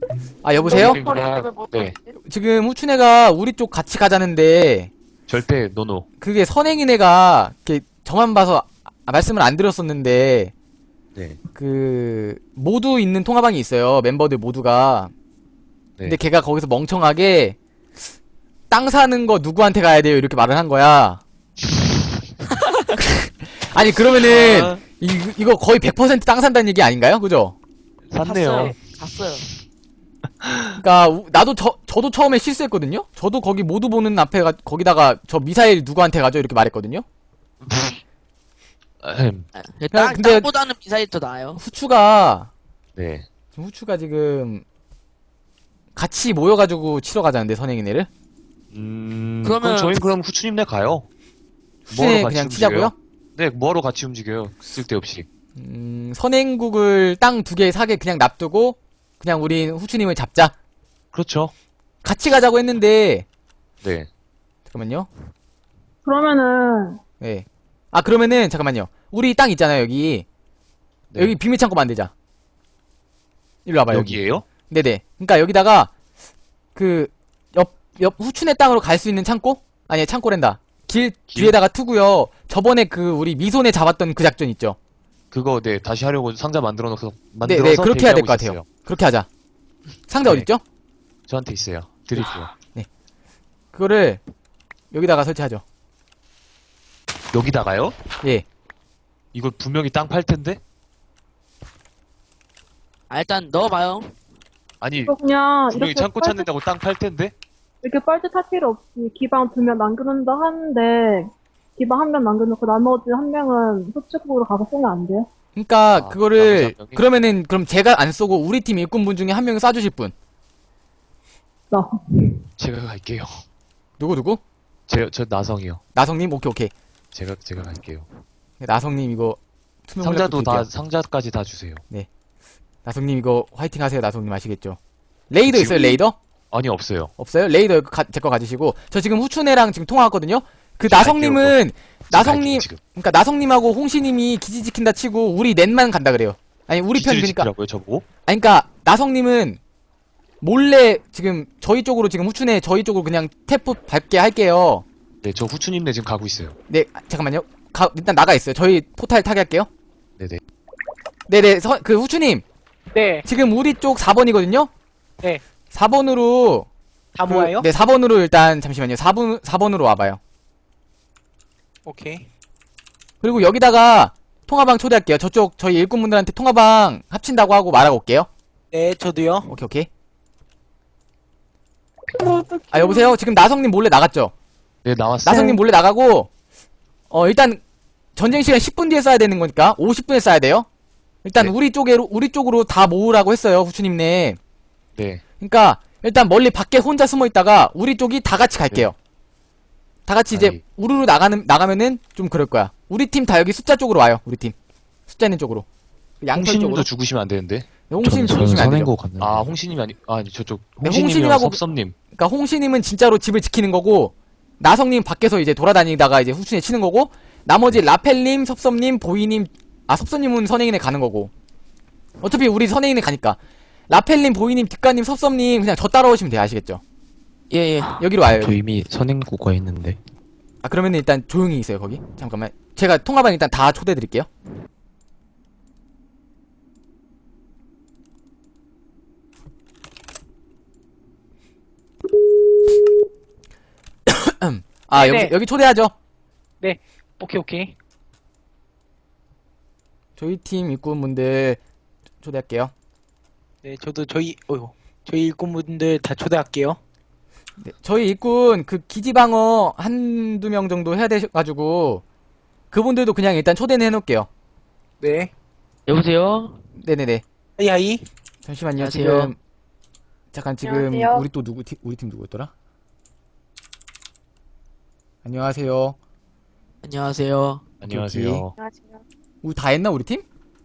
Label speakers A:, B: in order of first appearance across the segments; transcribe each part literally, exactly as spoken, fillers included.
A: 아, 여보세요?
B: 네.
A: 지금 후춘애가 우리 쪽 같이 가자는데,
B: 절대 노노.
A: 그게 선행인 애가, 이렇게 저만 봐서 아- 말씀을 안 드렸었는데,
B: 네.
A: 그, 모두 있는 통화방이 있어요. 멤버들 모두가.
B: 네.
A: 근데 걔가 거기서 멍청하게, 땅 사는 거 누구한테 가야 돼요? 이렇게 말을 한 거야. 아니, 그러면은,
C: 아,
A: 이, 이거 거의 백 퍼센트 땅 산다는 얘기 아닌가요? 그죠?
B: 샀네요.
C: 샀어요.
A: 그니까, 우- 나도 저, 저도 처음에 실수했거든요? 저도 거기 모두 보는 앞에 가, 거기다가 저 미사일 누구한테 가죠? 이렇게 말했거든요?
B: 아흠.
C: 아,
A: 그냥
C: 땅,
A: 근데-
C: 땅보다는 미사일이 더 나아요.
A: 후추가,
B: 네.
A: 지금 후추가 지금, 같이 모여가지고 치러 가자는데, 선행이네를?
B: 음.
C: 그러면-
B: 그럼 저희 그럼 후추님네 가요.
A: 후추네
B: 뭐하러 같이
A: 그냥
B: 움직여요?
A: 치자고요?
B: 네. 뭐하러 같이 움직여요? 쓸데없이.
A: 음, 선행국을 땅 두 개 사게 그냥 놔두고, 그냥 우린 후추님을 잡자.
B: 그렇죠.
A: 같이 가자고 했는데,
B: 네.
A: 잠깐만요.
D: 그러면은
A: 네. 아, 그러면은, 잠깐만요. 우리 땅 있잖아요, 여기.
B: 네.
A: 여기 비밀창고 만들자. 일로 와봐요, 여기.
B: 여기에요?
A: 네네. 그니까 여기다가, 그, 옆, 옆 후춘의 땅으로 갈 수 있는 창고? 아니, 창고랜다. 길,
B: 길?
A: 뒤에다가 투고요. 저번에 그, 우리 미손에 잡았던 그 작전 있죠?
B: 그거 네 다시 하려고 상자 만들어 놓고
A: 네,
B: 만들어서
A: 네, 그렇게 해야 될
B: 대기하고
A: 것 같아요.
B: 있었어요.
A: 그렇게 하자. 상자
B: 네.
A: 어딨죠?
B: 저한테 있어요. 드릴게요.
A: 그거를, 여기다가 설치하죠.
B: 여기다가요?
A: 예.
B: 이거 분명히 땅 팔 텐데?
C: 아, 일단 넣어봐요.
B: 아니
D: 이거 그냥
B: 분명히
D: 이렇게
B: 창고
D: 빨대,
B: 찾는다고 땅 팔 텐데?
D: 이렇게 빨듯할 필요 없이 기방 두 명 남겨놓는다 하는데 기방 한 명 남겨놓고 나머지 한 명은 소축국으로 가서 쏘면 안 돼요?
A: 그니까,
B: 아,
A: 러 그거를,
B: 나머지 한 명이?
A: 그러면은, 그럼 제가 안 쏘고, 우리 팀 일꾼분 중에 한 명이 쏴주실 분.
D: 나.
B: 제가 갈게요.
A: 누구, 누구?
B: 제, 저 나성이요.
A: 나성님? 오케이, 오케이.
B: 제가 제가 갈게요.
A: 나성님 이거, 투명
B: 상자도
A: 콜렉터
B: 다
A: 드릴게요.
B: 상자까지 다 주세요.
A: 나성님 이거 화이팅 하세요. 나성님 아시겠죠? 레이더
B: 지금
A: 있어요, 레이더?
B: 아니 없어요.
A: 없어요? 레이더 제 거 가지시고. 저 지금 후춘애랑 지금 통화했거든요? 그
B: 갈게요,
A: 나성님은, 나성님,
B: 갈게요, 지금
A: 그니까 나성님하고 홍시님이 기지 지킨다 치고, 우리 넷만 간다 그래요. 아니, 우리 편,
B: 기지를
A: 그니까,
B: 지키라고요 저보고?
A: 아니, 그니까, 나성님은, 몰래, 지금, 저희 쪽으로, 지금 후춘애, 저희 쪽으로 그냥 태프 밟게 할게요.
B: 네, 저 후추님네 지금 가고 있어요.
A: 네, 아, 잠깐만요. 가, 일단 나가 있어요. 저희 포탈 타게 할게요.
B: 네네.
A: 네네, 서, 그 후추님.
E: 네,
A: 지금 우리 쪽 사 번이거든요?
E: 네.
A: 사 번으로,
E: 다
A: 그,
E: 모아요?
A: 네, 사 번으로 일단, 잠시만요. 사 번, 사 번으로 와봐요.
E: 오케이.
A: 그리고 여기다가 통화방 초대할게요. 저쪽 저희 일꾼분들한테 통화방 합친다고 하고 말하고 올게요.
E: 네, 저도요.
A: 오케이 오케이. 아 여보세요? 지금 나성님 몰래 나갔죠?
B: 네 나왔어요.
A: 나성님 몰래 나가고 어 일단 전쟁 시간 십 분 뒤에 써야 되는 거니까 오십 분에 써야 돼요. 일단
B: 네.
A: 우리 쪽으로 우리 쪽으로 다 모으라고 했어요, 후추님네.
B: 네.
A: 그러니까 일단 멀리 밖에 혼자 숨어 있다가 우리 쪽이 다 같이 갈게요. 다 같이 이제
B: 아니.
A: 우르르 나가는 나가면은 좀 그럴 거야. 우리 팀 다 여기 숫자 쪽으로 와요. 우리 팀 숫자 있는 쪽으로. 양털 쪽으로.
B: 홍신님도 죽으시면 안 되는데.
A: 홍신 죽으시면 안 되죠.
F: 갔는데.
B: 아 홍신님이 아니 아니 저쪽
A: 네,
B: 홍신님이랑
A: 홍신님하고-
B: 섭섭님.
A: 그러니까 홍신님은 진짜로 집을 지키는 거고 나성님 밖에서 이제 돌아다니다가 이제 후춘에 치는 거고 나머지 라펠님, 섭섭님, 보이님 아 섭섭님은 선행인에 가는 거고 어차피 우리 선행인에 가니까 라펠님, 보이님, 뒷가님, 섭섭님 그냥 저 따라오시면 돼요. 아시겠죠?
C: 예, 예.
A: 여기로 와요.
F: 저
A: 여기.
F: 이미 선행국가 있는데.
A: 아 그러면 일단 조용히 있어요 거기. 잠깐만 제가 통화방 일단 다 초대해 드릴게요. 아 여기
E: 네네.
A: 여기 초대하죠.
E: 오케이, 오케이.
A: 저희 팀 일꾼분들 초대할게요.
E: 네, 저도 저희, 어휴, 저희 일꾼분들 다 초대할게요.
A: 네, 저희 일꾼 그 기지방어 한두 명 정도 해야 되셔가지고 그분들도 그냥 일단 초대는 해놓을게요.
E: 네.
C: 여보세요?
A: 네네네.
E: 하이, 하이.
A: 잠시만요.
C: 안녕하세요.
A: 지금 잠깐 지금
D: 안녕하세요.
A: 우리 또 누구 팀 우리 팀 누구였더라? 안녕하세요.
C: 안녕하세요.
B: 안녕하세요.
A: 우리 다 했나 우리 팀?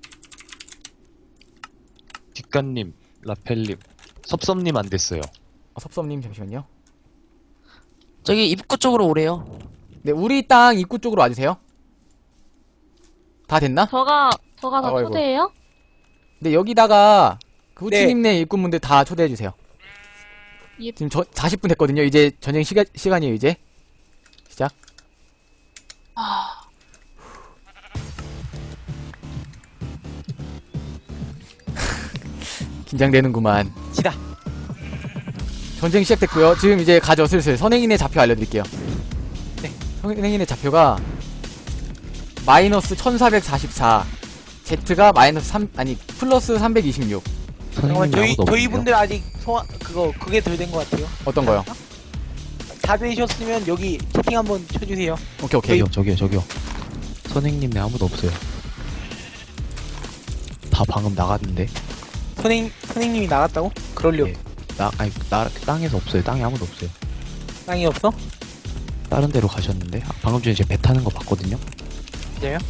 B: 뒷간님, 라펠님, 섭섭님 안 됐어요.
A: 어, 섭섭님 잠시만요.
C: 저기 입구 쪽으로 오래요.
A: 네 우리 땅 입구 쪽으로 와주세요. 다 됐나?
G: 저가 저가 다
A: 아이고.
G: 초대해요?
A: 근데 여기다가 그 후추님네 일꾼분들 다 초대해주세요.
F: 예.
A: 지금 저 사십 분 됐거든요. 이제 전쟁 시간, 시간이에요, 이제. 시작. 긴장되는구만.
E: 지다.
A: 전쟁 시작됐고요. 지금 이제 가죠, 슬슬. 선행인의 좌표 알려드릴게요.
E: 네.
A: 선행인의 좌표가 마이너스 천사백사십사, Z가 마이너스 삼, 아니, 플러스 삼백이십육.
E: 잠깐만, 저희,
B: 아무도
E: 저희
B: 없네요.
E: 분들 아직 소화, 그거, 그게 덜 된 것 같아요.
A: 어떤 거요?
E: 다 되셨으면 여기 채팅 한번 쳐주세요.
A: 오케이, 오케이.
B: 저기요, 저기요, 저기요. 선생님네 아무도 없어요. 다 방금 나갔는데.
E: 선생, 선생님이 나갔다고? 그럴 리 없,
B: 예. 나, 아니, 나, 땅에서 없어요. 땅에 아무도 없어요.
E: 땅이 없어?
B: 다른 데로 가셨는데. 아, 방금 전에 제가 배 타는 거 봤거든요.
E: 진짜요?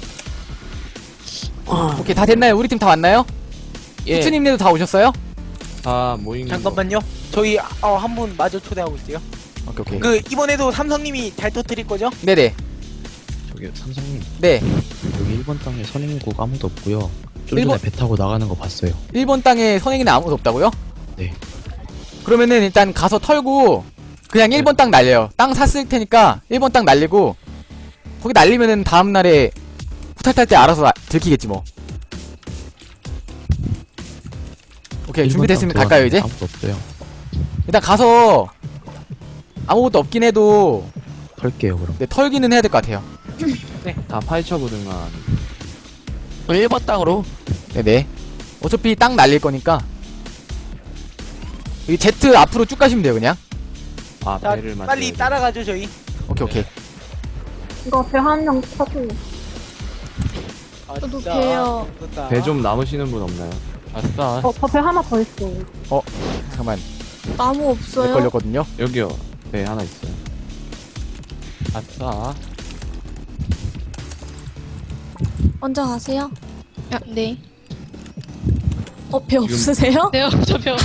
C: 어,
A: 오케이, 다 됐나요? 우리 팀 다 왔나요?
C: 예.
A: 후추님네도 다 오셨어요?
G: 다 모인
E: 잠깐만요. 저희, 어, 한 분 마저 초대하고 있어요.
A: 오케이, 오케이.
E: 그, 이번에도 삼성님이 잘 터뜨릴 거죠?
A: 네네.
B: 저기 삼성님,
A: 네.
B: 여기 일 번 땅에 선행국 아무도 없고요. 좀
A: 일본-
B: 전에 배 타고 나가는 거 봤어요.
A: 일 번 땅에 선행이는 아무도 없다고요?
B: 네.
A: 그러면은 일단 가서 털고 그냥 일 번 땅 날려요. 땅 샀을 테니까 일 번 땅 날리고 거기 날리면은 다음날에 후탈 탈 때 알아서 아- 들키겠지 뭐. 오케이, 준비됐으면 갈까요 이제?
B: 아무도 없어요.
A: 일단 가서 아무것도 없긴 해도
B: 털게요 그럼.
A: 네, 털기는 해야 될 것 같아요.
G: 다 파헤쳐 보든가.
C: 일 번 땅으로.
A: 네네. 어차피 땅 날릴 거니까 이 Z 앞으로 쭉 가시면 돼요 그냥.
G: 아
E: 자,
G: 배를 만들어야
E: 빨리
G: 돼.
E: 따라가죠, 저희.
A: 오케이 오케이.
D: 이거 배 한 명 타고.
E: 아,
F: 저도
E: 진짜.
F: 배요.
E: 무섭다.
G: 배 좀 남으시는 분 없나요? 아싸.
D: 어, 저 배 하나 더 있어.
A: 잠깐만.
F: 나무
A: 렉
F: 없어요?
A: 걸렸거든요.
G: 여기요. 배 하나 있어요. 아싸.
F: 먼저 가세요. 아, 네. 어, 배 없으세요?
H: 네요, 저 배워.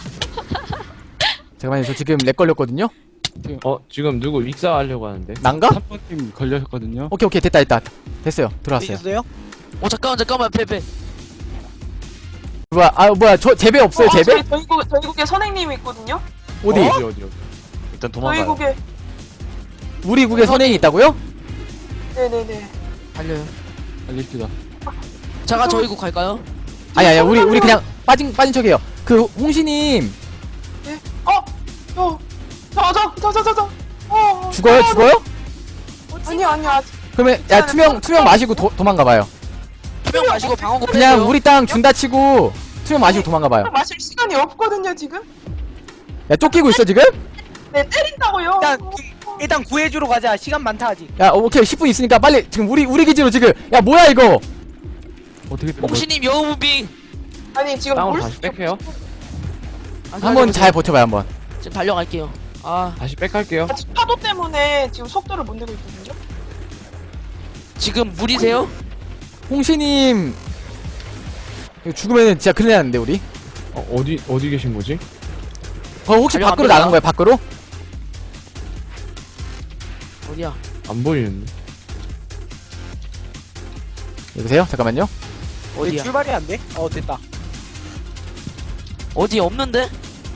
A: 잠깐만요. 저 지금 렉 걸렸거든요.
G: 어 지금 누구 익사하려고 하는데?
A: 난가?
G: 삼 번팀 걸렸거든요.
A: 오케이 오케이 됐다 됐다. 됐어요. 들어왔어요.
E: 되셨어요?
C: 어, 잠깐만, 잠깐만, 배, 배.
A: 뭐야? 아 뭐야? 저 제배 없어요?
H: 어,
A: 제배?
H: 저희, 저희, 국에, 저희 국에 선생님이 있거든요?
A: 어디?
G: 어디 어디 어디.
B: 일단
H: 저희
B: 도망가요.
H: 국에.
A: 우리 국에 선행이 있다고요?
H: 네네네.
C: 달려요.
G: 알립시다.
C: 자가 저희 국 갈까요?
A: 아니 아니 우리 우리 그냥 빠진 빠진 척해요. 그 홍시님
H: 어, 저, 저, 저, 저, 저, 저, 저. 어,
A: 죽어요? 죽어요?
H: 아니, 아니, 아직.
A: 그러면 야 투명 투명 마시고 도, 도망가봐요.
C: 투명 마시고 방어구
A: 그냥
C: 빼세요.
A: 우리 땅 준다 치고 투명 마시고 도망가봐요.
H: 마실 시간이 없거든요, 지금?
A: 야 쫓기고 있어 지금?
H: 네, 때린다고요.
E: 일단, 구, 일단 구해주러 가자. 시간 많다, 아직.
A: 야 오케이 십 분 있으니까 빨리 지금 우리 우리 기지로 지금 야 뭐야 이거?
G: 어떻게 된 거지?
C: 홍시님 여우무빙.
H: 아니, 지금
G: 땅으로
H: 물
G: 다시 뺄게요.
A: 한번 잘 버텨봐요 한번.
C: 지금 달려갈게요. 아,
G: 다시 빽할게요.
H: 아직 파도 때문에 지금 속도를 못 내고 있거든요?
C: 지금 물이세요?
A: 홍시님 이거 죽으면 진짜 큰일 나는데 우리.
G: 어, 어디 어디 계신 거지?
A: 어 혹시
C: 달려갑니다.
A: 밖으로 나간 거야 밖으로?
C: 어디야?
G: 안 보이는데.
A: 여보세요? 잠깐만요.
E: 왜
C: 어디야?
E: 출발이 안 돼? 어, 됐다.
C: 어디 없는데?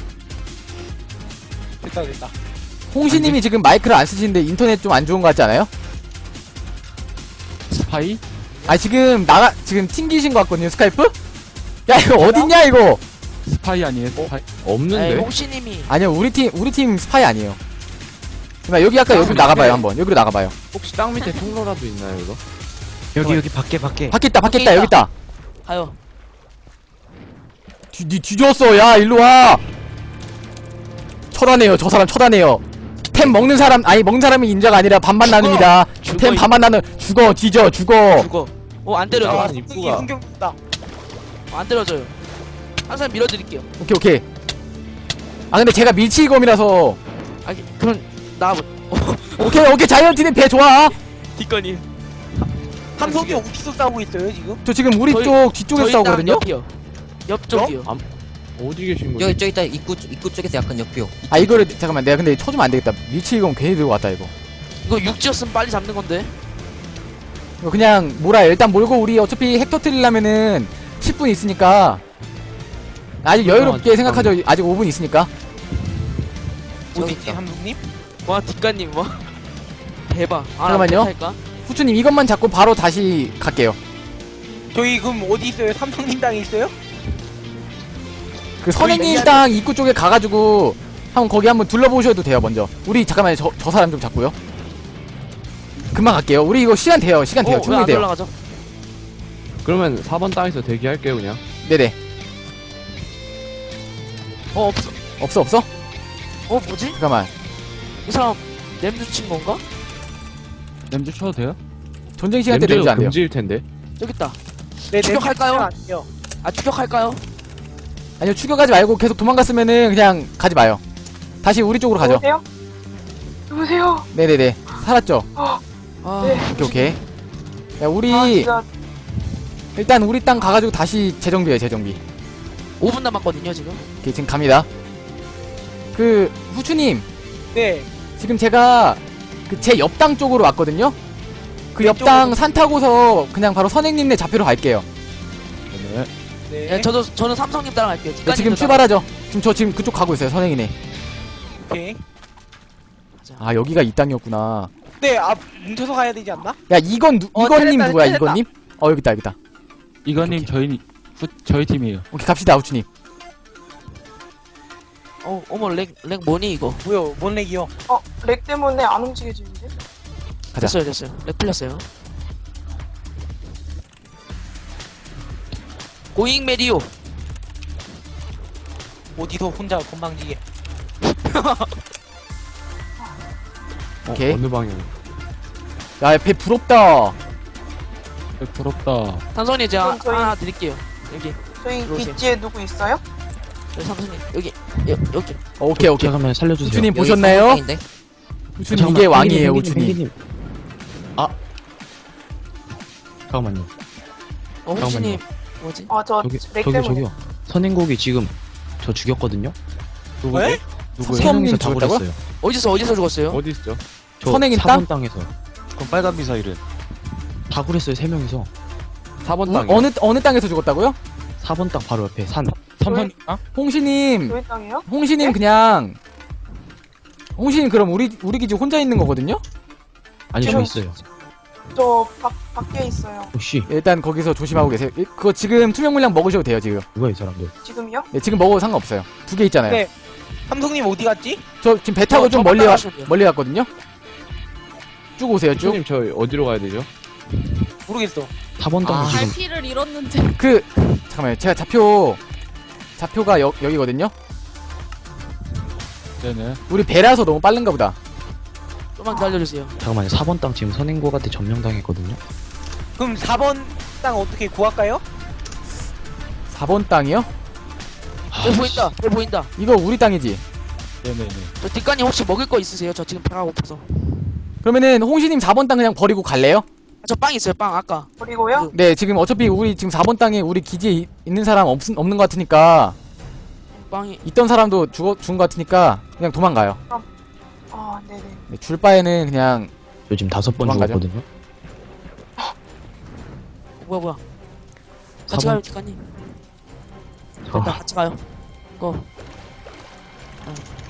E: 됐다, 됐다.
A: 홍시님이 지금 마이크를 안 쓰시는데 인터넷 좀 안 좋은 거 같지 않아요?
G: 스파이?
A: 아 지금 나가 지금 튕기신 거 같거든요 스카이프? 야 이거 어딨냐 이거?
G: 스파이 아니에요? 스파이?
C: 에이,
G: 없는데?
C: 홍시님이.
A: 아니요 우리 팀 우리 팀 스파이 아니에요. 그러니까 여기 아까 여기로
G: 아,
A: 나가봐요
G: 네.
A: 한번 여기로 나가봐요.
G: 혹시 땅 밑에 통로라도 있나요 이거?
B: 여기 여기 밖에 밖에.
A: 밖에 있다 밖에
C: 밖에
A: 있다 여기 있다.
C: 가요.
A: 뒤, 뒤 뒤졌어 야 일로 와. 처단해요 저 사람 처단해요. 템 먹는 사람 아니 먹는 사람이 인자가 아니라 반반
C: 죽어.
A: 나눕니다.
C: 죽어,
A: 템
C: 이-
A: 반반 나누 죽어 뒤져 죽어.
C: 죽어. 어, 안 때려줘.
E: 아,
G: 아,
E: 승기
G: 입구가.
E: 흥경다.
C: 어, 안 때려줘요. 항상 밀어드릴게요.
A: 오케이 오케이. 아 근데 제가 밀치검이라서
C: 아, 그럼 나
A: 오케이 오케이 자이언티는 배 좋아.
C: 뒷건이.
E: 삼성이 어디서 싸우고 있어요, 지금?
A: 저 지금 우리
C: 저희-
A: 쪽 뒤쪽에서 싸우거든요.
C: 옆이요. 옆쪽이요.
G: 어디 계신 거지?
I: 여기 저기 있다 입구 입구 쪽에서 약간 옆이요.
A: 아 이거를 잠깐만 내가 근데 쳐주면 안 되겠다. 밀치검 괜히 들고 왔다 이거.
C: 이거 육지였으면 빨리 잡는 건데.
A: 이거 그냥 몰아요. 일단 몰고 우리 어차피 핵 터트리려면은 십 분 있으니까 아직 여유롭게 생각하죠. 아직 오 분 있으니까.
E: 어디 있지 삼성님?
C: 와 뒷간님 와 대박. 아,
A: 잠깐만요.
C: 할까?
A: 후추님 이것만 잡고 바로 다시 갈게요.
E: 저희 그럼 어디 있어요? 삼성님 땅에 있어요?
A: 그 선행님
E: 여기
A: 땅 입구 쪽에 가가지고 한번 거기 한번 둘러보셔도 돼요. 먼저 우리 잠깐만요. 저, 저 사람 좀 잡고요. 금방 갈게요. 우리 이거 시간 돼요. 시간 돼요.
C: 어,
A: 충분히
C: 왜안
A: 돼요.
C: 올라가죠?
G: 그러면 사 번 땅에서 대기할게요 그냥.
A: 네네.
C: 어 없어.
A: 없어 없어?
C: 어 뭐지?
A: 잠깐만.
C: 이 사람 냄새 친 건가?
G: 냄새 쳐도 돼요?
A: 전쟁 시간 때
G: 냄새가
A: 냄새 안 돼요.
G: 금지일 텐데.
C: 여기 있다.
E: 네,
C: 추격할까요?
E: 냄새 안 돼요.
C: 아 추격할까요?
A: 아니요 추격하지 말고 계속 도망갔으면은 그냥 가지 마요. 다시 우리 쪽으로 가죠.
H: 누구세요? 누구세요?
A: 네네네. 살았죠?
C: 아
H: 네.
A: 오케이 오케이. 야 우리
H: 아, 진짜.
A: 일단 우리 땅 가가지고 다시 재정비해 재정비.
C: 오 분 남았거든요 지금.
A: 오케이 지금 갑니다. 그 후추님
E: 네.
A: 지금 제가 그 제 옆 땅 쪽으로 왔거든요. 그 옆 땅 산 타고서 그냥 바로 선행님네 좌표로 갈게요.
G: 네.
E: 네.
C: 예, 저도 저는 삼성님 따라갈게요.
A: 네,
C: 뒷간님
A: 지금 출발하죠. 지금 저 지금 그쪽 가고 있어요. 선행이네.
E: 오케이.
A: 아 여기가 이 땅이었구나.
E: 네, 아 뭉쳐서 가야 되지 않나?
A: 야 이건 누,
E: 어,
A: 이건님
E: 찾았다,
A: 누구야?
E: 찾았다.
A: 이건님? 어 여기 있다 여기 있다.
G: 이건님 저희 후, 저희 팀이에요.
A: 오케이 갑시다 후추님.
C: 어 어머 렉렉 뭐니 이거?
E: 뭐요? 뭔 렉이요?
H: 어, 렉 때문에 안 움직여지는데?
A: 가자.
C: 됐어요 됐어요. 렉 풀렸어요. 고잉 메리오.
E: 어디서 혼자 건방지게.
G: 어,
A: 오케이.
G: 어느 방향?
A: 야 배 부럽다.
G: 네, 부럽다.
C: 삼성님 제가
H: 그럼 저희-
C: 하나 드릴게요. 여기
H: 저희
C: 들어오세요.
H: 기지에 누구 있어요?
C: 여기 삼성님 여기 여, 여기.
A: 어, 오케이 오케이.
B: 잠깐만 살려주세요.
A: 후추님
I: 여기
A: 보셨나요?
I: 상황인데?
A: 후추님
B: 잠깐만,
A: 이게 왕이에요
B: 펭귄님,
A: 후추님.
B: 펭귄님. 아 잠깐만요.
C: 어 호시님 뭐지?
H: 아, 저
B: 저기
H: 렉
B: 저기
H: 때문에.
B: 저기요. 선행곡이 지금 저 죽였거든요.
G: 누구죠?
E: 왜?
G: 누구요?
A: 서-
B: 세 명이서
A: 선행님
B: 다
A: 죽였다고요?
B: 버렸어요.
C: 어디서 어디서 죽었어요?
G: 어디 있죠?
B: 저
A: 선행인
B: 사 번 땅에서
J: 그럼 빨간 미사일은?
B: 다 그랬어요. 세 명이서
G: 사 번
A: 어,
G: 땅.
A: 어느 어느 땅에서 죽었다고요?
B: 사 번 땅 바로 옆에 산.
G: 삼성 땅?
A: 홍시님
H: 저희 땅이요?
A: 홍시님
H: 네?
A: 그냥 홍시님 그럼 우리 우리 기지 혼자 있는 거거든요?
B: 아니 저
H: 저는-
B: 있어요.
H: 저 밖, 밖에 있어요.
B: 혹시
A: 일단 거기서 조심하고 계세요. 이- 그거 지금 투명 물량 먹으셔도 돼요 지금.
B: 누가 이 사람들?
H: 지금요?
A: 네, 지금 먹어도 상관없어요. 두 개 있잖아요.
E: 네. 삼성님 어디 갔지?
A: 저 지금 배 타고
C: 저-
A: 좀
C: 저
A: 멀리 와,
C: 따라가시면 돼요.
A: 멀리 갔거든요. 쭉 오세요 쭉.
G: 후추님 저희 어디로 가야 되죠?
E: 모르겠어.
B: 사 번 땅도
A: 아.
B: 지금
F: 갈피를 잃었는데.
A: 그 잠깐만요. 제가 좌표 좌표가 여, 여기거든요.
G: 네네.
A: 우리 배라서 너무 빠른가 보다.
C: 좀만 기다려주세요.
B: 잠깐만요. 사 번 땅 지금 선행곡한테 점령당했거든요.
E: 그럼 사 번 땅 어떻게 구할까요?
A: 사 번 땅이요?
B: 아,
C: 저 보인다. 저 보인다.
A: 이거 우리 땅이지.
G: 네네네.
C: 저 뒷간님 혹시 먹을 거 있으세요? 저 지금 배가 고파서.
A: 그러면은 홍시님 사 번 땅 그냥 버리고 갈래요?
C: 아, 저 빵 있어요. 빵 아까.
H: 그리고요?
A: 네 지금 어차피 우리 지금 사 번 땅에 우리 기지에 이- 있는 사람 없, 없는 것 같으니까
C: 빵이.
A: 있던 사람도 죽어, 죽은 것 같으니까 그냥 도망가요.
H: 아, 네네.
A: 네, 줄 바에는 그냥
B: 저 지금 다섯 번
A: 도망가죠.
B: 죽었거든요.
C: 뭐야 뭐야.
B: 사
C: 같이
B: 번
C: 가요 뒷간님.
B: 저-
C: 됐다 같이 가요. 고. 아,